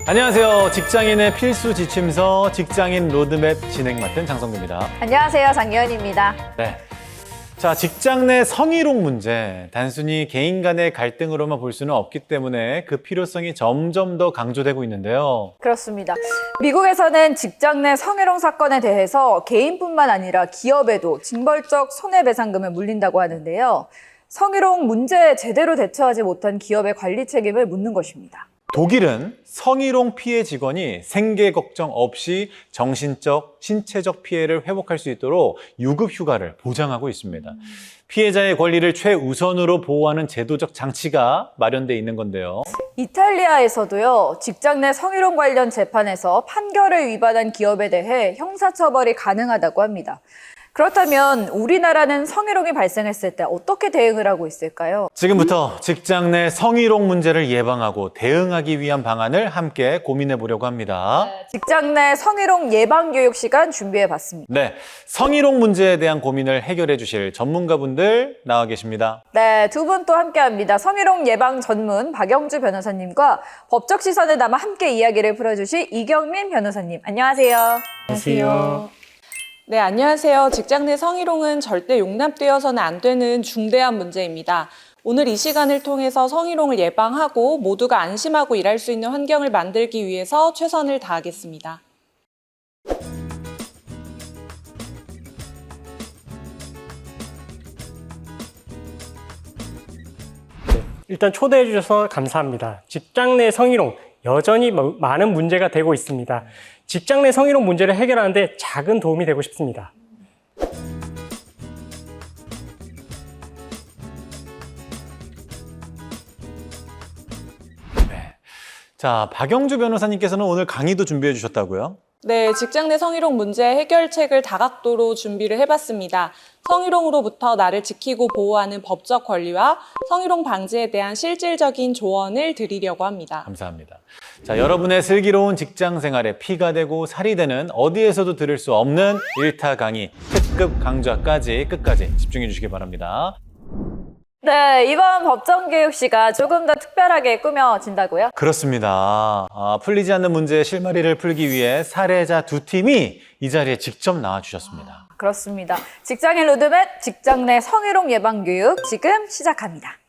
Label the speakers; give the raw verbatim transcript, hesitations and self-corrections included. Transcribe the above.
Speaker 1: 안녕하세요. 직장인의 필수 지침서 직장인 로드맵 진행 맡은 장성규입니다.
Speaker 2: 안녕하세요. 장유연입니다.
Speaker 1: 네. 자, 직장 내 성희롱 문제. 단순히 개인 간의 갈등으로만 볼 수는 없기 때문에 그 필요성이 점점 더 강조되고 있는데요.
Speaker 2: 그렇습니다. 미국에서는 직장 내 성희롱 사건에 대해서 개인뿐만 아니라 기업에도 징벌적 손해배상금을 물린다고 하는데요. 성희롱 문제에 제대로 대처하지 못한 기업의 관리 책임을 묻는 것입니다.
Speaker 1: 독일은 성희롱 피해 직원이 생계 걱정 없이 정신적, 신체적 피해를 회복할 수 있도록 유급 휴가를 보장하고 있습니다. 피해자의 권리를 최우선으로 보호하는 제도적 장치가 마련돼 있는 건데요.
Speaker 2: 이탈리아에서도요, 직장 내 성희롱 관련 재판에서 판결을 위반한 기업에 대해 형사처벌이 가능하다고 합니다. 그렇다면 우리나라는 성희롱이 발생했을 때 어떻게 대응을 하고 있을까요?
Speaker 1: 지금부터 직장 내 성희롱 문제를 예방하고 대응하기 위한 방안을 함께 고민해 보려고 합니다.
Speaker 2: 직장 내 성희롱 예방 교육 시간 준비해 봤습니다.
Speaker 1: 네, 성희롱 문제에 대한 고민을 해결해 주실 전문가분들 나와 계십니다.
Speaker 2: 네, 두 분 또 함께 합니다. 성희롱 예방 전문 박영주 변호사님과 법적 시선을 담아 함께 이야기를 풀어주실 이경민 변호사님. 안녕하세요.
Speaker 3: 안녕하세요. 네, 안녕하세요. 직장 내 성희롱은 절대 용납되어서는 안 되는 중대한 문제입니다. 오늘 이 시간을 통해서 성희롱을 예방하고 모두가 안심하고 일할 수 있는 환경을 만들기 위해서 최선을 다하겠습니다.
Speaker 4: 일단 초대해 주셔서 감사합니다. 직장 내 성희롱 여전히 많은 문제가 되고 있습니다. 직장 내 성희롱 문제를 해결하는데 작은 도움이 되고 싶습니다.
Speaker 1: 네. 자, 박영주 변호사님께서는 오늘 강의도 준비해 주셨다고요?
Speaker 3: 네, 직장 내 성희롱 문제 해결책을 다각도로 준비를 해봤습니다. 성희롱으로부터 나를 지키고 보호하는 법적 권리와 성희롱 방지에 대한 실질적인 조언을 드리려고 합니다.
Speaker 1: 감사합니다. 자, 여러분의 슬기로운 직장 생활에 피가 되고 살이 되는 어디에서도 들을 수 없는 일타 강의, 특급 강좌까지 끝까지 집중해 주시기 바랍니다.
Speaker 2: 네, 이번 법정교육 시간 조금 더 특별하게 꾸며진다고요?
Speaker 1: 그렇습니다. 아, 풀리지 않는 문제의 실마리를 풀기 위해 사례자 두 팀이 이 자리에 직접 나와주셨습니다.
Speaker 2: 그렇습니다. 직장인 로드맵 직장 내 성희롱 예방 교육 지금 시작합니다.